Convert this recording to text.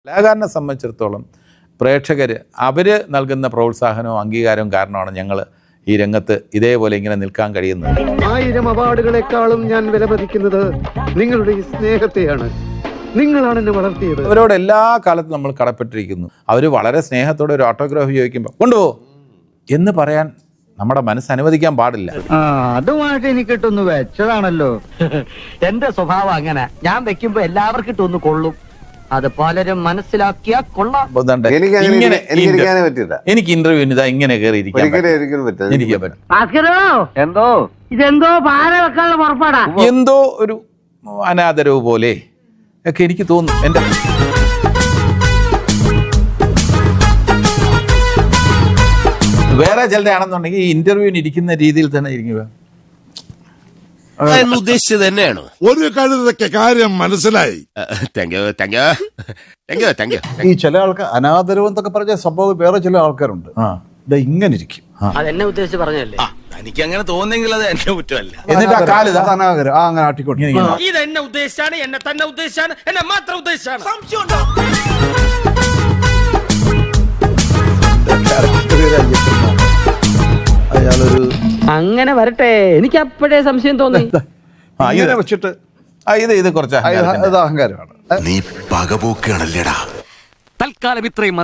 കലാകാരനെ സംബന്ധിച്ചിടത്തോളം പ്രേക്ഷകർ അവർ നൽകുന്ന പ്രോത്സാഹനവും അംഗീകാരവും കാരണമാണ് ഞങ്ങൾ ഈ രംഗത്ത് ഇതേപോലെ ഇങ്ങനെ നിൽക്കാൻ കഴിയുന്നത്. 1000 അവാർഡുകളെക്കാളും ഞാൻ വിലമതിക്കുന്നത് നിങ്ങളുടെ ഈ സ്നേഹത്തെയാണ്. നിങ്ങളാണ് എന്നെ വളർത്തിയത്. അവരോട് എല്ലാ കാലത്തും നമ്മൾ കടപ്പെട്ടിരിക്കുന്നു. അവർ വളരെ സ്നേഹത്തോടെ ഒരു ഓട്ടോഗ്രാഫ് ചോദിക്കുമ്പോൾ കൊണ്ടുപോ എന്ന് പറയാൻ നമ്മുടെ മനസ്സ് അനുവദിക്കാൻ പാടില്ല. അതുമായിട്ട് എനിക്ക് ഇട്ടൊന്ന് വെച്ചതാണല്ലോ. എന്റെ സ്വഭാവം അങ്ങനെ, ഞാൻ വെക്കുമ്പോ എല്ലാവർക്കും ഇട്ടൊന്ന് കൊള്ളും. അത് പലരും മനസ്സിലാക്കിയാ കൊള്ളാം. എനിക്ക് ഇന്റർവ്യൂവിന് ഇതാ ഇങ്ങനെ കയറിയിരിക്കാൻ എനിക്ക് എന്തോ ഇതെന്തോ ഭാര വെക്കാനുള്ള പുറപ്പാടാ. എന്തോ ഒരു അനാദരവ് പോലെ ഒക്കെ എനിക്ക് തോന്നുന്നു. എൻ്റെ വേറെ ചിലരാണെന്നുണ്ടെങ്കിൽ ഈ ഇന്റർവ്യൂവിന് ഇരിക്കുന്ന രീതിയിൽ തന്നെ ഇരിക്കുക ഉദ്ദേശിച്ചത് തന്നെയാണോ? ഒരു കഴുതൊക്കെ കാര്യം മനസ്സിലായി. ഈ ചില ആൾക്കാർ അനാദരവ് എന്നൊക്കെ പറഞ്ഞ സംഭവം വേറെ ചില ആൾക്കാരുണ്ട്. ഇതാ ഇങ്ങനെ ഇരിക്കും. അതെന്നെ ഉദ്ദേശിച്ച് പറഞ്ഞല്ലേ. എനിക്ക് അങ്ങനെ തോന്നുന്നെങ്കിൽ അത് എന്റെ കുറ്റമല്ല. എന്നിട്ട് ആ കാല് ഇതാ അനാദരം അങ്ങനെ ആട്ടിക്കോട്ടെ. ഇത് എന്നെ ഉദ്ദേശിച്ചാണ്, എന്നെ തന്നെ ഉദ്ദേശിച്ചാണ്, എന്നെ മാത്രം ഉദ്ദേശിച്ചാണ്. അയാളൊരു അങ്ങനെ വരട്ടെ, എനിക്ക് അപ്പോഴേ സംശയം തോന്നി. ഇങ്ങനെ വെച്ചിട്ട് ഇത് കുറച്ച് അത് അഹങ്കാരമാണ്. നീ പകപോക്കാണല്ലേടാ. തൽക്കാലം ഇത്രയും